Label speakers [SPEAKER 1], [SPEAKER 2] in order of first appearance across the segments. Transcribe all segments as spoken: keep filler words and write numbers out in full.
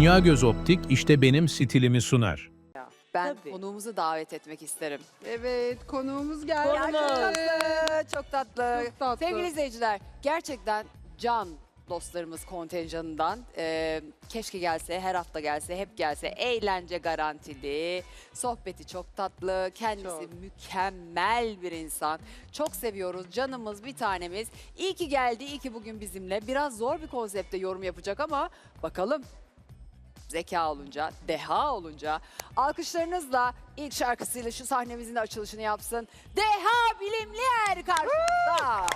[SPEAKER 1] Dünya Göz Optik işte benim stilimi sunar.
[SPEAKER 2] Ben
[SPEAKER 3] Tabii.
[SPEAKER 2] konuğumuzu davet etmek isterim.
[SPEAKER 4] Evet, konuğumuz geldi.
[SPEAKER 2] Ya çok tatlı, çok tatlı.
[SPEAKER 4] Çok tatlı.
[SPEAKER 2] Sevgili izleyiciler, gerçekten can dostlarımız kontenjanından e, keşke gelse, her hafta gelse, hep gelse. Eğlence garantili, sohbeti çok tatlı, kendisi
[SPEAKER 4] Çok.
[SPEAKER 2] mükemmel bir insan. Çok seviyoruz, canımız, bir tanemiz. İyi ki geldi, iyi ki bugün bizimle. Biraz zor bir konsepte yorum yapacak ama bakalım. Zeka olunca, deha olunca alkışlarınızla ilk şarkısıyla şu sahnemizin de açılışını yapsın. Deha Bilimlier karşınızda.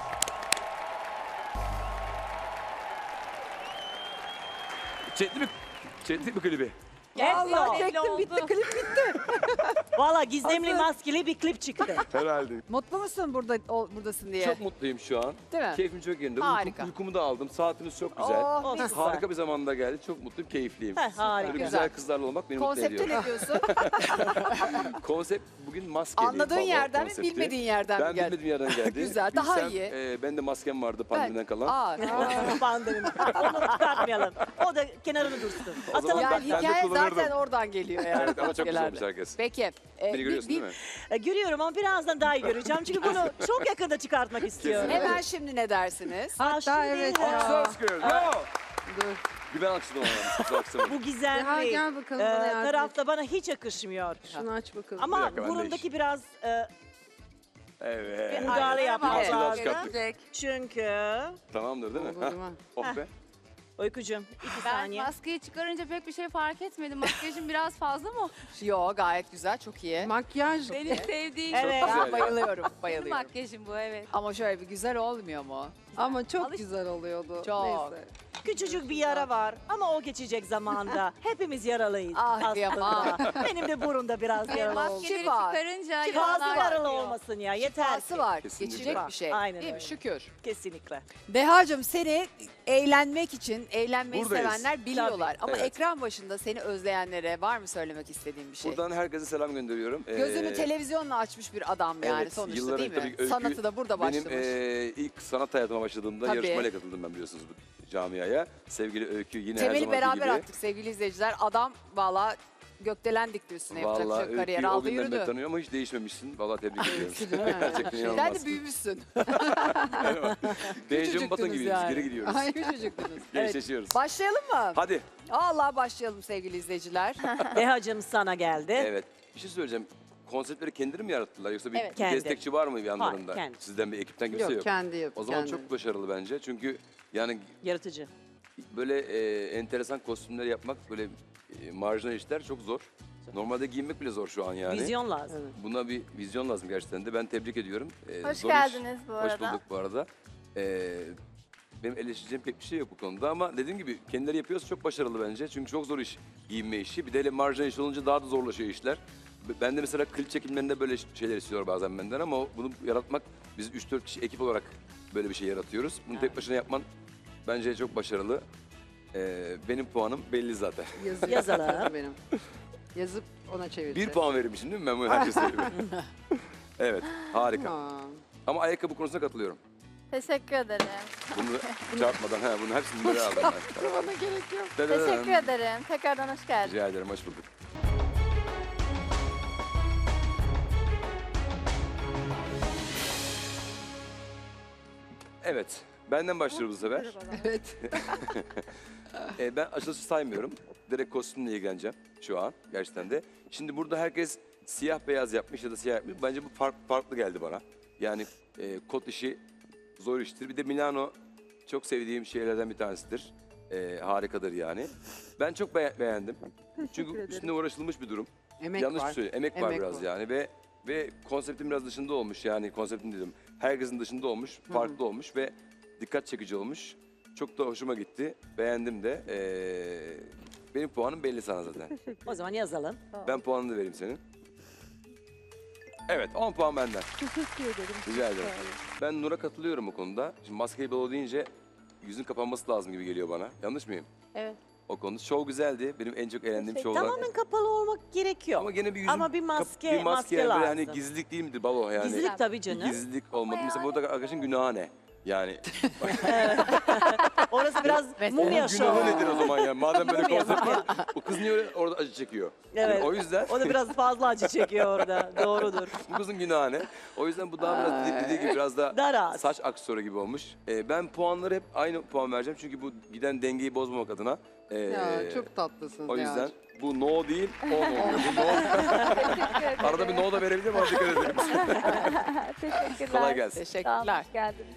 [SPEAKER 5] Çekti mi? Çekti mi klibi?
[SPEAKER 4] Vallahi
[SPEAKER 3] Belli
[SPEAKER 4] çektim,
[SPEAKER 3] oldu.
[SPEAKER 4] bitti, klip bitti.
[SPEAKER 3] Valla gizemli
[SPEAKER 4] Hazır.
[SPEAKER 3] maskeli bir klip çıktı.
[SPEAKER 5] Herhalde.
[SPEAKER 2] Mutlu musun burada o- buradasın diye?
[SPEAKER 5] Çok mutluyum şu an.
[SPEAKER 2] Değil mi?
[SPEAKER 5] Keyfim çok yerinde.
[SPEAKER 2] Harika.
[SPEAKER 5] Uyku- uykumu da aldım. Saatiniz çok güzel.
[SPEAKER 2] Oh,
[SPEAKER 3] Olsun.
[SPEAKER 2] mis.
[SPEAKER 5] Harika bir zamanda geldi. Çok mutluyum, keyifliyim.
[SPEAKER 3] Heh, harika.
[SPEAKER 5] Böyle
[SPEAKER 2] Güzel.
[SPEAKER 5] güzel kızlarla olmak beni mutlu
[SPEAKER 2] Konsepte
[SPEAKER 5] ediyor.
[SPEAKER 2] ne diyorsun?
[SPEAKER 5] Konsept bugün maskeli.
[SPEAKER 2] Anladığın
[SPEAKER 5] baba
[SPEAKER 2] yerden mi,
[SPEAKER 5] konsepti.
[SPEAKER 2] bilmediğin yerden
[SPEAKER 5] ben
[SPEAKER 2] mi geldi?
[SPEAKER 5] bilmediğim yerden geldi.
[SPEAKER 2] Güzel, daha
[SPEAKER 5] Bilsem,
[SPEAKER 2] iyi.
[SPEAKER 5] E, ben de maskem vardı pandemiden kalan.
[SPEAKER 2] Aa,
[SPEAKER 3] Pandemi. Onu çıkartmayalım. O da kenarını dursun.
[SPEAKER 5] O zaman
[SPEAKER 3] Atalım.
[SPEAKER 2] yani
[SPEAKER 5] ben de
[SPEAKER 2] hikaye
[SPEAKER 5] kullanırdım.
[SPEAKER 2] zaten oradan geliyor yani.
[SPEAKER 5] Evet ama çok güzel
[SPEAKER 2] Genelde.
[SPEAKER 5] olmuş herkes.
[SPEAKER 2] Peki. e,
[SPEAKER 5] Beni
[SPEAKER 2] bir-
[SPEAKER 5] görüyorsun
[SPEAKER 2] bir-
[SPEAKER 5] değil mi?
[SPEAKER 3] E, Görüyorum ama birazdan daha iyi göreceğim. Çünkü bunu çok yakında çıkartmak istiyorum.
[SPEAKER 2] Hemen şimdi ne dersiniz?
[SPEAKER 3] Aa, şimdi-
[SPEAKER 4] evet ya.
[SPEAKER 5] Alkışlar sıkıyoruz. Bravo.
[SPEAKER 4] Dur.
[SPEAKER 5] Bir ben alkışladım ama.
[SPEAKER 3] Bu
[SPEAKER 4] Ya
[SPEAKER 3] gizemli
[SPEAKER 4] gel bakalım
[SPEAKER 3] e,
[SPEAKER 4] bana yardım et.
[SPEAKER 3] tarafta bana hiç yakışmıyor.
[SPEAKER 4] Şunu aç bakalım.
[SPEAKER 5] Bir
[SPEAKER 3] Ama
[SPEAKER 5] dakika, ben de
[SPEAKER 3] burundaki biraz e,
[SPEAKER 5] Evet.
[SPEAKER 3] müdahale yapmak
[SPEAKER 2] Evet.
[SPEAKER 3] lazım.
[SPEAKER 5] Çıkarttık.
[SPEAKER 3] Çünkü
[SPEAKER 5] Tamamdır değil mi?
[SPEAKER 4] Olur
[SPEAKER 5] Heh.
[SPEAKER 4] mu?
[SPEAKER 5] Oh be.
[SPEAKER 3] Uykucuğum iki
[SPEAKER 6] Ben
[SPEAKER 3] saniye.
[SPEAKER 6] maskeyi çıkarınca pek bir şey fark etmedim. Makyajım biraz fazla mı?
[SPEAKER 2] Yo, gayet güzel, çok iyi.
[SPEAKER 4] Makyaj.
[SPEAKER 6] Benim sevdiğim
[SPEAKER 3] Evet.
[SPEAKER 2] Ben
[SPEAKER 5] Güzel.
[SPEAKER 2] bayılıyorum,
[SPEAKER 6] benim
[SPEAKER 2] bayılıyorum.
[SPEAKER 6] makyajım bu, evet.
[SPEAKER 2] Ama şöyle bir güzel olmuyor mu?
[SPEAKER 4] Ama çok
[SPEAKER 6] Alış-
[SPEAKER 4] güzel oluyordu.
[SPEAKER 2] Çok.
[SPEAKER 4] Neyse.
[SPEAKER 3] Küçücük bir yara var ama o geçecek zamanda. Hepimiz yaralıyız
[SPEAKER 2] Ah,
[SPEAKER 3] aslında.
[SPEAKER 2] kıyamam.
[SPEAKER 3] Benim de burunda biraz
[SPEAKER 6] Ve
[SPEAKER 3] yaralı oldu.
[SPEAKER 6] maskeleri
[SPEAKER 2] Şifa.
[SPEAKER 6] çıkarınca
[SPEAKER 3] Fazla
[SPEAKER 6] yaralar
[SPEAKER 3] yaralı
[SPEAKER 6] çıkıyor.
[SPEAKER 3] olmasın ya yeter
[SPEAKER 2] Şifası
[SPEAKER 3] ki.
[SPEAKER 2] var,
[SPEAKER 5] Kesinlikle.
[SPEAKER 2] geçecek bir şey.
[SPEAKER 3] Aynen
[SPEAKER 2] Değil mi?
[SPEAKER 3] öyle.
[SPEAKER 2] Şükür.
[SPEAKER 3] Kesinlikle.
[SPEAKER 2] Dehacığım, seni eğlenmek için, eğlenmeyi
[SPEAKER 5] Buradayız.
[SPEAKER 2] sevenler biliyorlar. Ama
[SPEAKER 5] Evet.
[SPEAKER 2] ekran başında seni özleyenlere var mı söylemek istediğin bir şey?
[SPEAKER 5] Buradan herkese selam gönderiyorum.
[SPEAKER 2] Gözünü
[SPEAKER 5] Ee,
[SPEAKER 2] televizyonla açmış bir adam yani
[SPEAKER 5] evet,
[SPEAKER 2] sonuçta
[SPEAKER 5] yılların
[SPEAKER 2] değil mi?
[SPEAKER 5] tabii öykü-
[SPEAKER 2] Sanatı da burada
[SPEAKER 5] Benim
[SPEAKER 2] başlamış.
[SPEAKER 5] eee, ilk sanat hayatıma başladığımda
[SPEAKER 2] Tabii.
[SPEAKER 5] yarışmayla katıldım ben biliyorsunuz bu camiaya. Sevgili Öykü yine her
[SPEAKER 2] Temeli
[SPEAKER 5] zamanki
[SPEAKER 2] beraber
[SPEAKER 5] gibi.
[SPEAKER 2] attık sevgili izleyiciler. Adam valla gökdelen dikti üstüne, yapacak bir
[SPEAKER 5] Vallahi
[SPEAKER 2] şey yok. Kariyer
[SPEAKER 5] Öykü'yü o
[SPEAKER 2] aldı
[SPEAKER 5] günden beri
[SPEAKER 2] yürüdü.
[SPEAKER 5] tanıyorum ama hiç değişmemişsin. Vallahi tebrik ediyorum.
[SPEAKER 4] Değil mi?
[SPEAKER 5] Gerçekten
[SPEAKER 2] Sen
[SPEAKER 5] inanılmaz.
[SPEAKER 2] de büyümüşsün.
[SPEAKER 5] Benjamin Button gibiyiz.
[SPEAKER 2] yani.
[SPEAKER 5] Geri gidiyoruz.
[SPEAKER 2] Ay, küçücüktünüz. Evet.
[SPEAKER 5] Gençleşiyoruz.
[SPEAKER 2] Başlayalım mı?
[SPEAKER 5] Hadi.
[SPEAKER 2] Allah başlayalım sevgili izleyiciler.
[SPEAKER 3] Dehacığım sana geldi.
[SPEAKER 5] Evet. Bir şey söyleyeceğim. Konseptleri kendileri mi yarattılar yoksa bir
[SPEAKER 2] Evet.
[SPEAKER 3] Kendi.
[SPEAKER 5] destekçi var mı yanlarında?
[SPEAKER 3] kendi.
[SPEAKER 5] Sizden bir ekipten kimse yok.
[SPEAKER 4] Yok, kendi yap.
[SPEAKER 5] O zaman
[SPEAKER 4] kendi.
[SPEAKER 5] çok başarılı bence. Çünkü yani
[SPEAKER 3] Yaratıcı.
[SPEAKER 5] böyle e, enteresan kostümler yapmak, böyle e, marjinal işler çok zor. Normalde giyinmek bile zor şu an yani.
[SPEAKER 3] Vizyon lazım.
[SPEAKER 5] Buna bir vizyon lazım gerçekten de. Ben tebrik ediyorum. E,
[SPEAKER 6] Hoş
[SPEAKER 5] zor iş.
[SPEAKER 6] geldiniz bu
[SPEAKER 5] Hoş
[SPEAKER 6] arada.
[SPEAKER 5] bulduk bu arada. E, benim eleştireceğim pek bir şey yok bu konuda ama dediğim gibi kendileri yapıyorsa çok başarılı bence. Çünkü çok zor iş giyinme işi. Bir de hele marjinal iş olunca daha da zorlaşıyor işler. Ben de mesela klip çekimlerinde böyle şeyler istiyor bazen benden ama o- bunu yaratmak, biz üç dört kişi ekip olarak böyle bir şey yaratıyoruz. Bunu tek başına yapman bence çok başarılı. Ee, benim puanım belli zaten.
[SPEAKER 4] Yazı
[SPEAKER 3] Yazalım.
[SPEAKER 4] yazalım benim. Yazıp ona çevireceğiz.
[SPEAKER 5] Bir puan vermişim değil mi? Ben bunu herkese söyleyeyim. Evet, harika.
[SPEAKER 4] Tamam.
[SPEAKER 5] Ama ayakkabı konusuna katılıyorum.
[SPEAKER 6] Teşekkür ederim.
[SPEAKER 5] Bunu çarpmadan, he, bunu hepsini böyle aldım ben.
[SPEAKER 4] Bana gerek yok.
[SPEAKER 6] Teşekkür ederim. Tekrardan hoş geldin.
[SPEAKER 5] Rica ederim, hoş bulduk. Evet, benden başlıyoruz bu sefer.
[SPEAKER 4] Evet.
[SPEAKER 5] Ee, ben açılışı saymıyorum. Direkt kostümle ilgileneceğim şu an gerçekten de. Şimdi burada herkes siyah beyaz yapmış ya da siyah yapmış. Bence bu fark, farklı geldi bana. Yani e, kot işi zor iştir. Bir de Milano çok sevdiğim şeylerden bir tanesidir. E, harikadır yani. Ben çok be- beğendim. Çünkü
[SPEAKER 4] ederim.
[SPEAKER 5] üstünde uğraşılmış bir durum.
[SPEAKER 4] Emek
[SPEAKER 5] Yanlış
[SPEAKER 4] var.
[SPEAKER 5] söylüyorum. Emek, var
[SPEAKER 4] Emek
[SPEAKER 5] biraz
[SPEAKER 4] var.
[SPEAKER 5] yani ve ve konseptin biraz dışında olmuş yani konseptin dedim. Herkesin dışında olmuş, farklı olmuş ve dikkat çekici olmuş. Çok da hoşuma gitti. Beğendim de. Ee, benim puanım belli sana zaten.
[SPEAKER 3] O zaman yazalım.
[SPEAKER 5] Ben puanını da vereyim senin. Evet, on puan benden.
[SPEAKER 4] Teşekkür ederim.
[SPEAKER 5] Rica ederim. Ben Nur'a katılıyorum bu konuda. Şimdi maskeli balo deyince yüzün kapanması lazım gibi geliyor bana. Yanlış mıyım?
[SPEAKER 6] Evet.
[SPEAKER 5] O konuda. Şov güzeldi. Benim en çok eğlendiğim şovlar.
[SPEAKER 3] Tamamen kapalı olmak gerekiyor.
[SPEAKER 5] Ama gene bir yüzün
[SPEAKER 3] Ama bir
[SPEAKER 5] kap-
[SPEAKER 3] maske-
[SPEAKER 5] bir maske,
[SPEAKER 3] maske
[SPEAKER 5] yani böyle
[SPEAKER 3] lazım.
[SPEAKER 5] hani gizlilik değil midir balo yani?
[SPEAKER 3] Gizlilik tabii canım.
[SPEAKER 5] Gizlilik olmadı.
[SPEAKER 6] Ama
[SPEAKER 5] Mesela
[SPEAKER 6] yani-
[SPEAKER 5] burada arkadaşın günahı ne? Yani
[SPEAKER 3] Orası biraz mumya
[SPEAKER 5] Onun günahı
[SPEAKER 3] şovu.
[SPEAKER 5] nedir o zaman ya? Madem böyle
[SPEAKER 3] Mumya,
[SPEAKER 5] konsept
[SPEAKER 3] mumya.
[SPEAKER 5] var. O kız niye öyle orada acı çekiyor?
[SPEAKER 3] Evet.
[SPEAKER 5] Yani o yüzden
[SPEAKER 3] O da biraz fazla acı çekiyor orada. Doğrudur.
[SPEAKER 5] bu kızın günahı ne? O yüzden bu daha biraz dedi- dediği gibi biraz da
[SPEAKER 3] Daha rahat.
[SPEAKER 5] saç aksesuarı gibi olmuş. Ee, ben puanları hep aynı puan vereceğim. Çünkü bu giden dengeyi bozmamak adına. Ee,
[SPEAKER 4] Ya çok tatlısınız
[SPEAKER 5] O yüzden
[SPEAKER 4] Nihal'cim.
[SPEAKER 5] bu no değil, on oluyor. Bu no. Arada bir no da verebilirim ama dikkat edelim.
[SPEAKER 7] Teşekkürler.
[SPEAKER 5] Kolay gelsin.
[SPEAKER 7] Sağ olun,
[SPEAKER 2] Teşekkürler.
[SPEAKER 7] hoş geldiniz.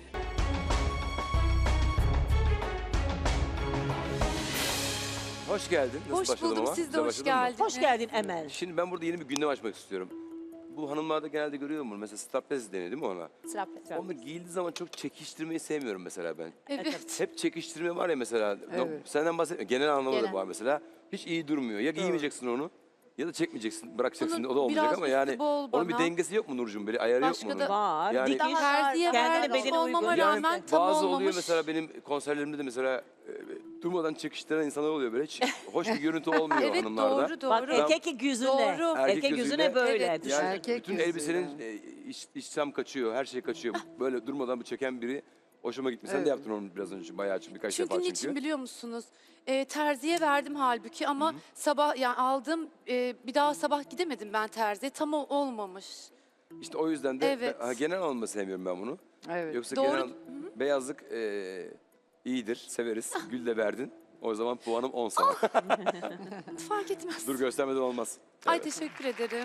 [SPEAKER 5] Hoş geldin. Nasıl
[SPEAKER 6] Hoş
[SPEAKER 5] başladım
[SPEAKER 6] buldum,
[SPEAKER 5] ama?
[SPEAKER 6] siz de
[SPEAKER 5] Güzel
[SPEAKER 6] hoş
[SPEAKER 5] başladın mı?
[SPEAKER 6] geldiniz.
[SPEAKER 3] Hoş geldin Emel.
[SPEAKER 5] Şimdi ben burada yeni bir gündem açmak istiyorum. Bu hanımlarda genelde görüyor musun? Mesela strapless deniyor değil mi ona?
[SPEAKER 7] Strapless.
[SPEAKER 5] Onu giyildiği zaman çok çekiştirmeyi sevmiyorum mesela ben.
[SPEAKER 6] Evet.
[SPEAKER 5] Hep çekiştirme var ya mesela.
[SPEAKER 4] Evet.
[SPEAKER 5] Senden bahsetmiyorum. Genel anlamda da
[SPEAKER 7] Genel.
[SPEAKER 5] bu var mesela. Hiç iyi durmuyor. Ya giymeyeceksin onu ya da çekmeyeceksin, bırakacaksın.
[SPEAKER 6] Bunun
[SPEAKER 5] o da olmayacak
[SPEAKER 6] biraz
[SPEAKER 5] ama
[SPEAKER 6] üstü
[SPEAKER 5] yani
[SPEAKER 6] bol
[SPEAKER 5] onun bir
[SPEAKER 6] bana.
[SPEAKER 5] dengesi yok mu Nurcuğum? Böyle ayarı
[SPEAKER 6] Başka
[SPEAKER 5] yok mu
[SPEAKER 6] da-
[SPEAKER 5] onun?
[SPEAKER 3] Var.
[SPEAKER 5] Yani-
[SPEAKER 3] Dikiş.
[SPEAKER 6] Terziye
[SPEAKER 3] Kendine
[SPEAKER 6] vermiş
[SPEAKER 3] bedene
[SPEAKER 6] olmama
[SPEAKER 3] uygun.
[SPEAKER 6] rağmen
[SPEAKER 5] Yani
[SPEAKER 6] tam
[SPEAKER 5] bazı
[SPEAKER 6] olmamış.
[SPEAKER 5] oluyor mesela benim konserlerimde de mesela e, durmadan çekiştiren insanlar oluyor böyle. Hiç hoş bir görüntü olmuyor
[SPEAKER 6] Evet
[SPEAKER 5] hanımlarda.
[SPEAKER 6] doğru doğru.
[SPEAKER 3] Bak erkek yüzüne.
[SPEAKER 6] Doğru.
[SPEAKER 3] Erkek,
[SPEAKER 5] Erkek
[SPEAKER 3] yüzüne
[SPEAKER 5] gözüyle-
[SPEAKER 3] böyle.
[SPEAKER 6] Evet.
[SPEAKER 3] Düşün.
[SPEAKER 5] Yani
[SPEAKER 4] Erkek
[SPEAKER 5] bütün
[SPEAKER 4] yüzüyle.
[SPEAKER 5] elbisenin e, iç, içsem kaçıyor, her şey kaçıyor. Böyle durmadan bu çeken biri hoşuma gitmiş. Sen
[SPEAKER 4] Evet.
[SPEAKER 5] de yaptın onu biraz önce bayağı çünkü birkaç
[SPEAKER 6] Çünkü
[SPEAKER 5] defa çünkü.
[SPEAKER 6] niçin biliyor musunuz? Ee, terziye verdim halbuki ama sabah yani aldım e, bir daha sabah gidemedim ben terziye. Tam o olmamış.
[SPEAKER 5] İşte o yüzden de
[SPEAKER 6] Evet.
[SPEAKER 5] ben- ha, genel alınma sevmiyorum ben bunu.
[SPEAKER 4] Evet.
[SPEAKER 5] Yoksa
[SPEAKER 6] Doğru.
[SPEAKER 5] genel beyazlık e, iyidir, severiz. Gül de verdin. O zaman puanım on sana.
[SPEAKER 6] Fark etmez.
[SPEAKER 5] Dur göstermeden olmaz.
[SPEAKER 6] Ay
[SPEAKER 5] Evet.
[SPEAKER 6] teşekkür ederim.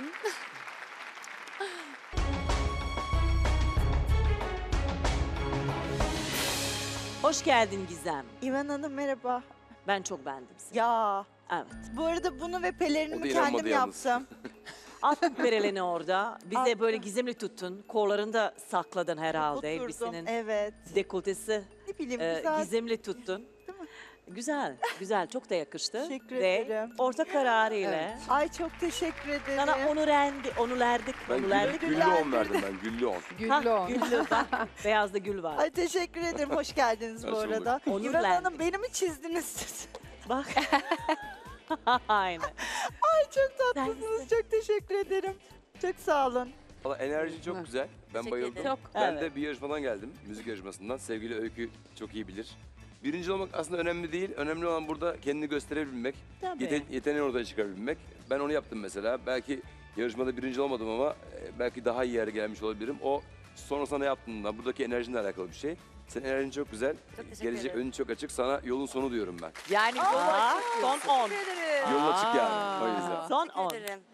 [SPEAKER 3] Hoş geldin Gizem.
[SPEAKER 8] İvan Hanım merhaba.
[SPEAKER 3] Ben çok beğendim seni.
[SPEAKER 8] Ya
[SPEAKER 3] Evet.
[SPEAKER 8] bu arada bunu ve
[SPEAKER 5] O da
[SPEAKER 8] pelerinimi
[SPEAKER 5] inanmadı
[SPEAKER 8] kendim
[SPEAKER 5] yalnız.
[SPEAKER 8] yaptım.
[SPEAKER 3] Attın pereleni orada. Bize
[SPEAKER 8] Attım.
[SPEAKER 3] böyle gizemli tuttun. Kollarını da sakladın herhalde
[SPEAKER 8] Oturdum.
[SPEAKER 3] elbisenin.
[SPEAKER 8] Evet.
[SPEAKER 3] Dekoltesi
[SPEAKER 8] Ne bileyim
[SPEAKER 3] e,
[SPEAKER 8] güzel.
[SPEAKER 3] gizemli tuttun. Güzel, güzel. Çok da yakıştı.
[SPEAKER 8] Teşekkür
[SPEAKER 3] Ve
[SPEAKER 8] ederim.
[SPEAKER 3] orta kararıyla
[SPEAKER 4] Evet.
[SPEAKER 8] Ay çok teşekkür ederim.
[SPEAKER 3] sana onu rendi, onu lerdik,
[SPEAKER 5] Ben
[SPEAKER 3] onu
[SPEAKER 5] güllü,
[SPEAKER 3] lerdik.
[SPEAKER 5] güllü on verdim ben, güllü on.
[SPEAKER 4] Güllü on.
[SPEAKER 3] Güllü bak, beyazda gül var.
[SPEAKER 8] Ay teşekkür ederim. Hoş geldiniz bu
[SPEAKER 5] Hoş bulduk.
[SPEAKER 8] arada.
[SPEAKER 3] Onur
[SPEAKER 8] İvan
[SPEAKER 3] Lendi.
[SPEAKER 8] Hanım beni mi çizdiniz siz?
[SPEAKER 3] Bak. Aynen.
[SPEAKER 8] Ay çok tatlısınız. Çok teşekkür ederim. Çok sağ olun.
[SPEAKER 5] Valla enerji çok güzel. Ben
[SPEAKER 7] Teşekkür
[SPEAKER 5] bayıldım.
[SPEAKER 7] ederim.
[SPEAKER 3] Çok,
[SPEAKER 5] Ben
[SPEAKER 3] evet.
[SPEAKER 5] de bir yarışmadan geldim. Müzik yarışmasından. Sevgili Öykü çok iyi bilir. Birinci olmak aslında önemli değil. Önemli olan burada kendini gösterebilmek.
[SPEAKER 3] Tabii.
[SPEAKER 5] Yeten, yeteneğini ortaya çıkarabilmek. Ben onu yaptım mesela. Belki yarışmada birinci olmadım ama e, belki daha iyi yere gelmiş olabilirim. O sonra sana yaptığında buradaki enerjinle alakalı bir şey. Senin enerjin çok güzel.
[SPEAKER 7] Çok teşekkür
[SPEAKER 5] Gelecek
[SPEAKER 7] ederim.
[SPEAKER 5] önün çok açık. Sana yolun sonu diyorum ben.
[SPEAKER 3] Yani Aa, son on.
[SPEAKER 5] Yolun açık yani. O yüzden.
[SPEAKER 3] Son on.
[SPEAKER 7] Teşekkür ederim.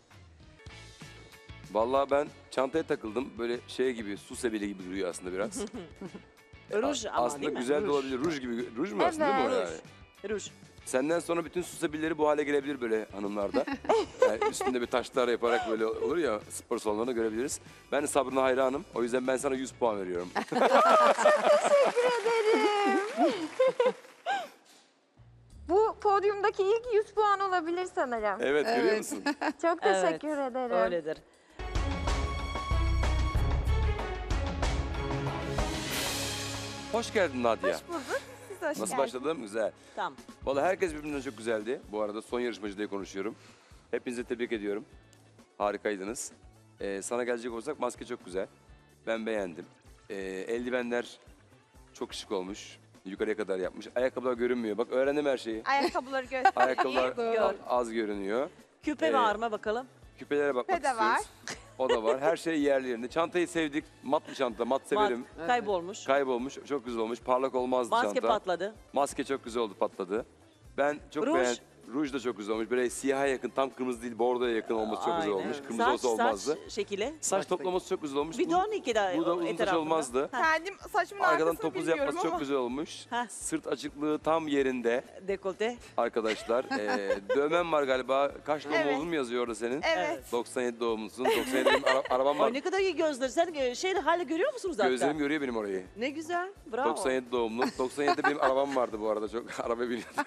[SPEAKER 5] Vallahi ben çantaya takıldım. Böyle şey gibi, su sebeli gibi duruyor aslında biraz.
[SPEAKER 3] Ruj ama
[SPEAKER 5] aslında
[SPEAKER 3] değil mi?
[SPEAKER 5] güzel de
[SPEAKER 3] Ruj.
[SPEAKER 5] olabilir. Ruj gibi. Ruj mu aslında değil mi o
[SPEAKER 7] Evet.
[SPEAKER 5] yani?
[SPEAKER 3] Ruj.
[SPEAKER 5] Senden sonra bütün su sebilleri bu hale gelebilir böyle hanımlarda. Yani üstünde bir taşlar yaparak böyle olur ya spor salonlarında görebiliriz. Ben de sabrına hayranım. O yüzden ben sana yüz puan veriyorum.
[SPEAKER 7] Bu podyumdaki ilk yüz puan olabilir sanırım.
[SPEAKER 5] Evet, görüyor
[SPEAKER 4] Evet.
[SPEAKER 5] musun?
[SPEAKER 7] Çok
[SPEAKER 3] Evet,
[SPEAKER 7] teşekkür ederim.
[SPEAKER 3] Öyledir.
[SPEAKER 5] Hoş geldin Nadia.
[SPEAKER 8] Hoş bulduk. Siz hoş
[SPEAKER 5] Nasıl
[SPEAKER 8] geldiniz.
[SPEAKER 5] başladım? Güzel.
[SPEAKER 3] Tamam.
[SPEAKER 5] Vallahi herkes birbirinden çok güzeldi. Bu arada son yarışmacı diye konuşuyorum. Hepinizi tebrik ediyorum. Harikaydınız. Ee, sana gelecek olursak maske çok güzel. Ben beğendim. Ee, eldivenler çok şık olmuş. Yukarıya kadar yapmış. Ayakkabılar görünmüyor. Bak öğrendim her şeyi.
[SPEAKER 8] Ayakkabıları göster.
[SPEAKER 5] Ayakkabılar
[SPEAKER 3] Gör.
[SPEAKER 5] az görünüyor.
[SPEAKER 3] Küpe
[SPEAKER 5] Ee,
[SPEAKER 3] var mı bakalım?
[SPEAKER 5] Küpelere bakmak
[SPEAKER 8] Küpe de
[SPEAKER 5] istiyoruz.
[SPEAKER 8] var.
[SPEAKER 5] O da var. Her şey yerli yerinde. Çantayı sevdik. Mat bir çanta. Mat severim.
[SPEAKER 3] Mat, kaybolmuş.
[SPEAKER 5] Kaybolmuş. Çok güzel olmuş. Parlak olmazdı
[SPEAKER 3] Maske
[SPEAKER 5] çanta.
[SPEAKER 3] patladı.
[SPEAKER 5] Maske çok güzel oldu, patladı. Ben çok
[SPEAKER 3] Ruj.
[SPEAKER 5] beğendim. Ruj da çok güzel olmuş. Böyle siyaha yakın, tam kırmızı değil, bordoya yakın olması çok güzel
[SPEAKER 3] Aynen.
[SPEAKER 5] olmuş. Kırmızı
[SPEAKER 3] saç,
[SPEAKER 5] olsa olmazdı.
[SPEAKER 3] Saç şekili.
[SPEAKER 5] Saç toplaması çok güzel olmuş.
[SPEAKER 3] Bir
[SPEAKER 5] Bu-
[SPEAKER 3] de on iki daha
[SPEAKER 5] Burada uzun saç
[SPEAKER 3] etrafında.
[SPEAKER 5] olmazdı.
[SPEAKER 8] Kendim saçımın
[SPEAKER 5] Arkadan
[SPEAKER 8] arkasını
[SPEAKER 5] topuz
[SPEAKER 8] bilmiyorum
[SPEAKER 5] yapması çok
[SPEAKER 8] ama.
[SPEAKER 5] güzel olmuş.
[SPEAKER 3] Heh.
[SPEAKER 5] Sırt açıklığı tam yerinde
[SPEAKER 3] Dekolte.
[SPEAKER 5] arkadaşlar. ee, dövmen var galiba. Kaç doğum
[SPEAKER 8] Evet.
[SPEAKER 5] oldun mu yazıyor orada senin?
[SPEAKER 8] Evet.
[SPEAKER 5] doksan yedi doğumlusun. doksan yedi benim ara- arabam var.
[SPEAKER 3] Ay ne kadar iyi gözler. Sen e, şeyde hala görüyor musunuz zaten?
[SPEAKER 5] Gözlerim görüyor benim orayı.
[SPEAKER 3] Ne güzel. Bravo.
[SPEAKER 5] doksan yedi doğumlu. doksan yedide benim arabam vardı bu arada. Çok araba biniyordum.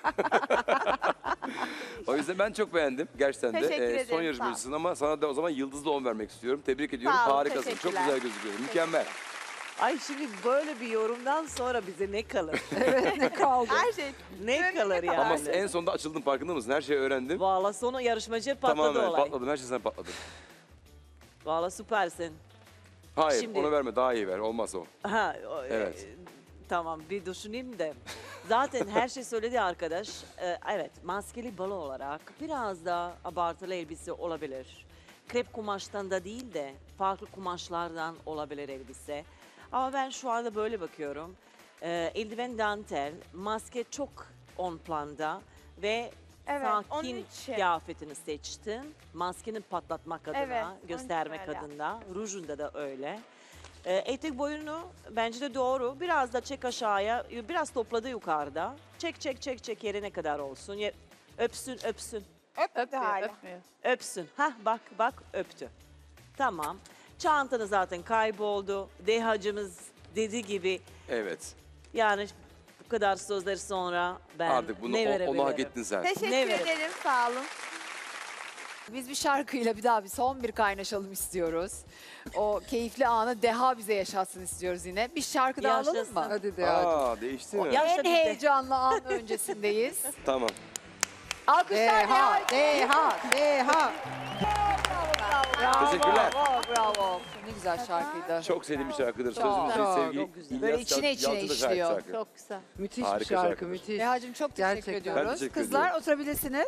[SPEAKER 5] O yüzden ben çok beğendim gerçekten de.
[SPEAKER 8] Teşekkür
[SPEAKER 5] Ee,
[SPEAKER 8] ederim,
[SPEAKER 5] son
[SPEAKER 8] sağ ol.
[SPEAKER 5] yarışmacısın ama sana da o zaman yıldızlı on vermek istiyorum. Tebrik ediyorum.
[SPEAKER 8] Sağ ol,
[SPEAKER 5] Harikasın. Çok
[SPEAKER 8] teşekkürler.
[SPEAKER 5] güzel gözüküyorsun. Mükemmel.
[SPEAKER 3] Ay şimdi böyle bir yorumdan sonra bize ne kalır?
[SPEAKER 4] Evet ne kaldı?
[SPEAKER 8] Her şey.
[SPEAKER 3] ne
[SPEAKER 8] Gönlüne
[SPEAKER 3] kalır yani?
[SPEAKER 5] Ama en sonunda açıldın farkında mısın? Her şeyi öğrendim.
[SPEAKER 3] Valla sonu yarışmacı patladı
[SPEAKER 5] Tamamen
[SPEAKER 3] olay.
[SPEAKER 5] patladım. Her şey sen patladın.
[SPEAKER 3] Valla süpersin.
[SPEAKER 5] Hayır
[SPEAKER 3] Şimdi-
[SPEAKER 5] onu verme. Daha iyi ver. Olmaz o.
[SPEAKER 3] Ha, o,
[SPEAKER 5] Evet.
[SPEAKER 3] e, tamam bir düşüneyim de. Zaten her şey söyledi arkadaş. Ee, evet, maskeli balo olarak biraz da abartılı elbise olabilir. Krep kumaştan da değil de farklı kumaşlardan olabilir elbise. Ama ben şu anda böyle bakıyorum. Ee, eldiven dantel, maske çok on planda ve
[SPEAKER 7] Evet, onun
[SPEAKER 3] sakin
[SPEAKER 7] için.
[SPEAKER 3] kıyafetini seçtin. Maskeni patlatmak adına,
[SPEAKER 7] Evet, onun için
[SPEAKER 3] göstermek
[SPEAKER 7] öyle.
[SPEAKER 3] adına. Rujunda da öyle. Ee, etek boyunu bence de doğru. Biraz da çek aşağıya, biraz topladı yukarıda. Çek çek çek çek yerine kadar olsun. Ye- öpsün öpsün.
[SPEAKER 7] Öptü hala.
[SPEAKER 3] Öpsün. Hah bak bak öptü. Tamam. Çantanı zaten kayboldu. Dehacımız dediği gibi
[SPEAKER 5] Evet.
[SPEAKER 3] yani bu kadar sözler sonra ben
[SPEAKER 5] Artık bunu
[SPEAKER 3] ne
[SPEAKER 5] o-
[SPEAKER 3] verebilirim?
[SPEAKER 5] onu hak ettin sen.
[SPEAKER 7] Teşekkür
[SPEAKER 3] Ne verin?
[SPEAKER 7] ederim, sağ olun.
[SPEAKER 2] Biz bir şarkıyla bir daha bir son bir kaynaşalım istiyoruz. O keyifli anı Deha bize yaşatsın istiyoruz yine. Bir şarkı daha alalım
[SPEAKER 3] Yaşasın.
[SPEAKER 2] mı?
[SPEAKER 4] Hadi de hadi.
[SPEAKER 5] Aa değişti mi?
[SPEAKER 3] Ya-
[SPEAKER 2] En
[SPEAKER 3] Yaşa bir de.
[SPEAKER 2] heyecanlı an öncesindeyiz.
[SPEAKER 5] Tamam.
[SPEAKER 2] Alkışlar Deha.
[SPEAKER 4] Deha, Deha, Deha.
[SPEAKER 2] Bravo,
[SPEAKER 5] Teşekkürler.
[SPEAKER 2] Bravo, bravo. Ne güzel şarkıydı.
[SPEAKER 5] Çok sevdiğim bir şarkıdır.
[SPEAKER 2] Çok,
[SPEAKER 5] Sözü müziği
[SPEAKER 2] çok,
[SPEAKER 5] sevgili
[SPEAKER 3] çok güzel.
[SPEAKER 5] İlyas
[SPEAKER 2] Böyle içine
[SPEAKER 5] Yal-
[SPEAKER 2] içine
[SPEAKER 5] Yalçın'a şahit
[SPEAKER 2] işliyor.
[SPEAKER 5] şarkı.
[SPEAKER 6] Çok güzel.
[SPEAKER 4] Müthiş
[SPEAKER 5] Harika
[SPEAKER 4] bir şarkı,
[SPEAKER 5] şarkıdır.
[SPEAKER 4] müthiş.
[SPEAKER 2] Deha'cığım çok teşekkür
[SPEAKER 4] Gerçekten.
[SPEAKER 2] ediyoruz.
[SPEAKER 5] Ben teşekkür
[SPEAKER 2] Kızlar
[SPEAKER 5] ediyorum.
[SPEAKER 2] oturabilirsiniz.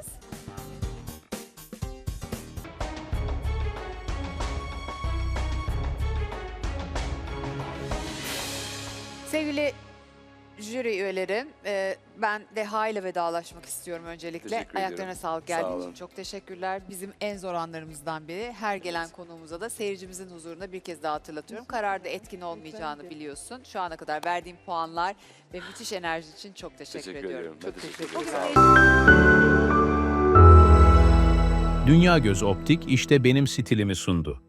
[SPEAKER 2] Sevgili jüri üyeleri, e, ben Deha ile vedalaşmak istiyorum öncelikle.
[SPEAKER 5] Teşekkür
[SPEAKER 2] Ayaklarına
[SPEAKER 5] ediyorum.
[SPEAKER 2] sağlık
[SPEAKER 5] Sağ
[SPEAKER 2] geldiğin
[SPEAKER 5] olun.
[SPEAKER 2] için çok teşekkürler. Bizim en zor anlarımızdan biri. Her gelen konuğumuza da seyircimizin huzurunda bir kez daha hatırlatıyorum. Kararda etkin olmayacağını biliyorsun. Şu ana kadar verdiğim puanlar ve müthiş enerji için çok teşekkür,
[SPEAKER 5] Teşekkür
[SPEAKER 2] ediyorum.
[SPEAKER 5] ediyorum. Ben
[SPEAKER 4] Çok
[SPEAKER 5] teşekkür
[SPEAKER 4] teşekkür
[SPEAKER 5] ederim.
[SPEAKER 2] Bugün
[SPEAKER 5] Sağ olun.
[SPEAKER 1] Dünya Göz Optik işte benim stilimi sundu.